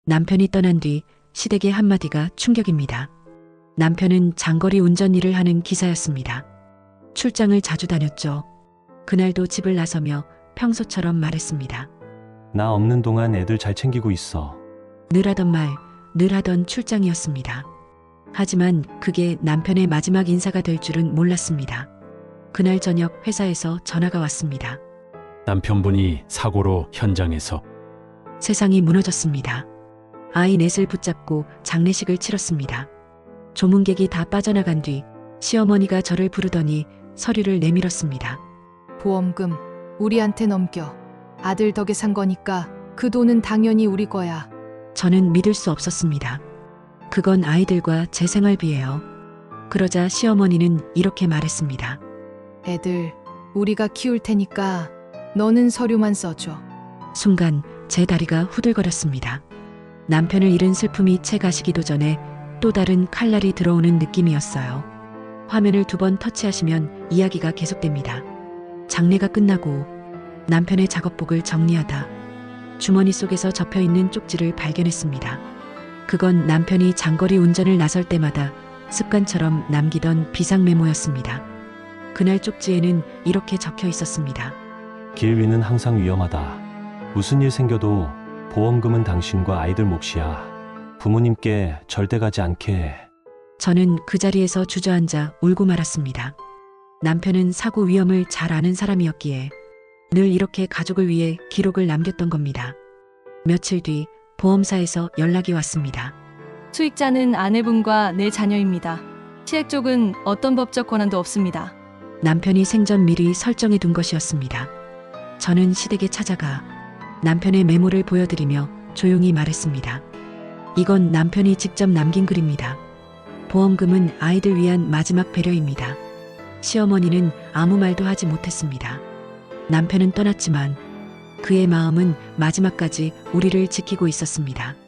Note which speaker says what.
Speaker 1: 남편이 떠난 뒤 시댁의 한마디가 충격입니다. 남편은 장거리 운전 일을 하는 기사였습니다. 출장을 자주 다녔죠. 그날도 집을 나서며 평소처럼 말했습니다.
Speaker 2: 나 없는 동안 애들 잘 챙기고 있어.
Speaker 1: 늘 하던 말, 늘 하던 출장이었습니다. 하지만 그게 남편의 마지막 인사가 될 줄은 몰랐습니다. 그날 저녁 회사에서 전화가 왔습니다.
Speaker 3: 남편분이 사고로 현장에서.
Speaker 1: 세상이 무너졌습니다. 아이 넷을 붙잡고 장례식을 치렀습니다. 조문객이 다 빠져나간 뒤 시어머니가 저를 부르더니 서류를 내밀었습니다.
Speaker 4: 보험금 우리한테 넘겨. 아들 덕에 산 거니까 그 돈은 당연히 우리 거야.
Speaker 1: 저는 믿을 수 없었습니다. 그건 아이들과 제 생활비예요. 그러자 시어머니는 이렇게 말했습니다.
Speaker 4: 애들 우리가 키울 테니까 너는 서류만 써줘.
Speaker 1: 순간 제 다리가 후들거렸습니다. 남편을 잃은 슬픔이 채 가시기도 전에 또 다른 칼날이 들어오는 느낌이었어요. 화면을 2번 터치하시면 이야기가 계속됩니다. 장례가 끝나고 남편의 작업복을 정리하다 주머니 속에서 접혀있는 쪽지를 발견했습니다. 그건 남편이 장거리 운전을 나설 때마다 습관처럼 남기던 비상 메모였습니다. 그날 쪽지에는 이렇게 적혀 있었습니다.
Speaker 2: 길 위는 항상 위험하다. 무슨 일 생겨도 보험금은 당신과 아이들 몫이야. 부모님께 절대 가지 않게 해.
Speaker 1: 저는 그 자리에서 주저앉아 울고 말았습니다. 남편은 사고 위험을 잘 아는 사람이었기에 늘 이렇게 가족을 위해 기록을 남겼던 겁니다. 며칠 뒤 보험사에서 연락이 왔습니다.
Speaker 5: 수익자는 아내분과 내 자녀입니다. 시액 쪽은 어떤 법적 권한도 없습니다.
Speaker 1: 남편이 생전 미리 설정해 둔 것이었습니다. 저는 시댁에 찾아가 남편의 메모를 보여드리며 조용히 말했습니다. 이건 남편이 직접 남긴 글입니다. 보험금은 아이들 위한 마지막 배려입니다. 시어머니는 아무 말도 하지 못했습니다. 남편은 떠났지만 그의 마음은 마지막까지 우리를 지키고 있었습니다.